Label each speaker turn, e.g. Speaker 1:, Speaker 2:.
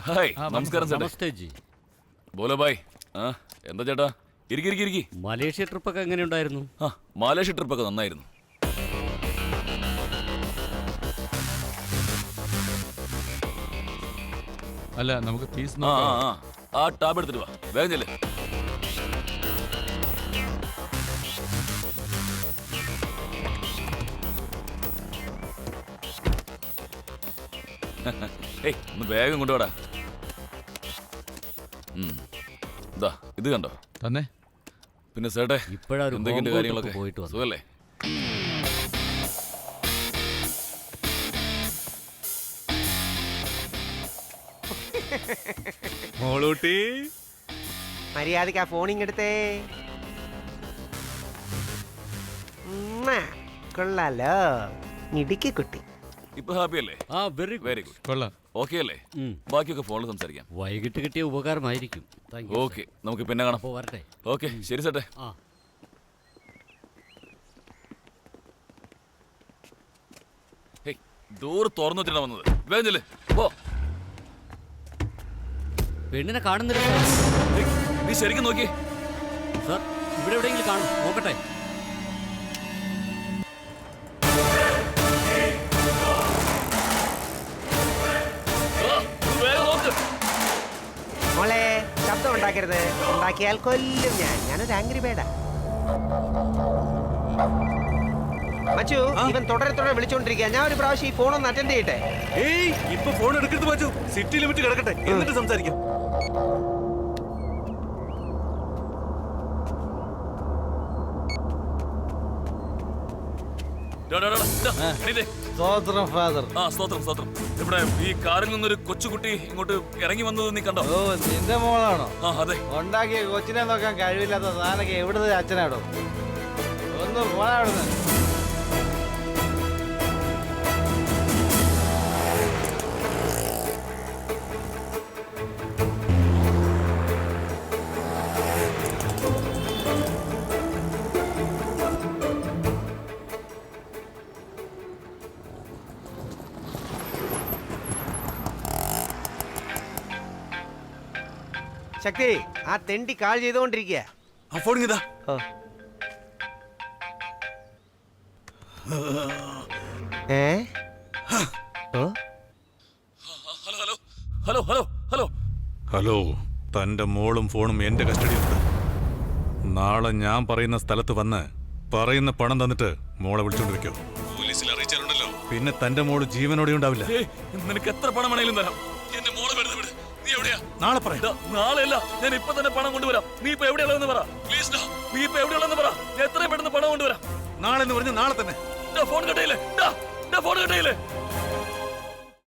Speaker 1: Hi നമസ്കാരം ചേട്ടാ.
Speaker 2: നമസ്തേ ജി.
Speaker 1: ബോലോ ബായ്. എന്താ ചേട്ടാ? ഇരിക്കി.
Speaker 2: മലേഷ്യ ട്രിപ്പൊക്കെ എങ്ങനെയുണ്ടായിരുന്നു?
Speaker 1: മലേഷ്യ ട്രിപ്പൊക്കെ നന്നായിരുന്നു.
Speaker 3: അല്ല നമുക്ക് ഫീസ്
Speaker 1: ആ ടാബ് എടുത്തിട്ട് വാ, വേഗം ചെല്ല്. ഏയ് ഒന്ന് വേഗം കൊണ്ടുപോടാ. ഇതാ ഇത് കണ്ടോ
Speaker 3: തന്നെ.
Speaker 1: പിന്നെ സേട്ടെ
Speaker 2: ഇപ്പോഴൊരു
Speaker 1: എന്തൊക്കെയുണ്ട് കാര്യങ്ങളൊക്കെ?
Speaker 2: പോയിട്ട് വന്നു.
Speaker 1: സുഖല്ലേ?
Speaker 4: മോളൂട്ടി
Speaker 5: മര്യാദക്ക് ആ ഫോണിങ്ങെടുത്തേ. കൊള്ളാലോ ഇടുക്കി കുട്ടി.
Speaker 1: ഇപ്പൊ ഹാപ്പി അല്ലേ?
Speaker 2: Very
Speaker 1: very good.
Speaker 3: കൊള്ളാം.
Speaker 1: ഓക്കെ അല്ലേ? ബാക്കിയൊക്കെ ഫോണിൽ സംസാരിക്കാം.
Speaker 2: വൈകിട്ട് കിട്ടിയ ഉപകാരമായിരിക്കും.
Speaker 1: ഓക്കെ, നമുക്ക് പിന്നെ കാണാം.
Speaker 2: അപ്പോൾ വരട്ടെ.
Speaker 1: ഓക്കെ ശരി സേട്ടെ. ഡോറ് തുറന്നു വെച്ചിട്ടാ വന്നത്. വേഗം ചെല്ല് പോ.
Speaker 2: പെണ്ണിനെ കാണുന്നില്ല
Speaker 1: നീ ശരിക്കും നോക്കി.
Speaker 2: സാർ, ഇവിടെ എവിടെയെങ്കിലും കാണും, നോക്കട്ടെ.
Speaker 5: മോളെ ശബ്ദം ഉണ്ടാക്കരുത്. ഉണ്ടാക്കിയാൽ കൊല്ലും ഞാനൊരു ആംഗ്രി ബേഡാ. മച്ചു, ഇവൻ തുടരെ വിളിച്ചോണ്ടിരിക്കുക. ഞാൻ ഒരു പ്രാവശ്യം ഈ ഫോണൊന്ന് അറ്റൻഡ് ചെയ്യട്ടെ.
Speaker 4: ഏയ് ഇപ്പൊ ഫോൺ എടുക്കരുത് മച്ചു. സിറ്റി ലിമിറ്റ് കിടക്കട്ടെ, എന്നിട്ട് സംസാരിക്കാം.
Speaker 6: സ്തോത്രം ഫാദർ.
Speaker 1: സ്തോത്രം. ഇവിടെ ഈ കാറിൽ നിന്നൊരു കൊച്ചുകുട്ടി ഇങ്ങോട്ട് ഇറങ്ങി വന്നത് നീ കണ്ടോ?
Speaker 6: ഓ, നിന്റെ മോളാണോ?
Speaker 1: അതെ.
Speaker 6: ഉണ്ടാക്കിയ കൊച്ചിനെ നോക്കാൻ കഴിവില്ലാത്ത സാധനൊക്കെ എവിടുന്ന് അച്ഛനാടോ? ഒന്ന് പോടാ അവിടുന്ന്.
Speaker 5: ശക്തി, ആ തെണ്ടി കാൾ ചെയ്തുകൊണ്ടിരിക്കുക.
Speaker 4: ആ ഫോൺ ഇതാ.
Speaker 7: ഹലോ, തന്റെ മോളും ഫോണും എന്റെ കസ്റ്റഡിയിലുണ്ട്. നാളെ ഞാൻ പറയുന്ന സ്ഥലത്ത് വന്ന് പറയുന്ന പണം തന്നിട്ട് മോളെ വിളിച്ചോണ്ടിരിക്കോ. പോലീസിൽ അറിയിച്ചാലുണ്ടല്ലോ, പിന്നെ തന്റെ മോള് ജീവനോടെ ഉണ്ടാവില്ല.
Speaker 1: നിനക്ക് എത്ര പണം വേണേലും തരാം. എന്റെ മോളെ വെറുതെ വിട്. നീ എവിടെയാ?
Speaker 7: നാളെ പറയാം.
Speaker 1: നാളെയല്ല, ഞാൻ ഇപ്പൊ തന്നെ പണം കൊണ്ടുവരാം. നീ ഇപ്പൊ എവിടെയുള്ളതെന്ന് പറ പ്ലീസ്. നീ ഇപ്പൊ എവിടെയുള്ളതെന്ന് പറ. ഞാൻ എത്രയും പെട്ടെന്ന് പണം കൊണ്ടുവരാം.
Speaker 7: നാളെ എന്ന് പറഞ്ഞ് നാളെ തന്നെ.
Speaker 1: ഫോൺ കട്ടയില്ലേ?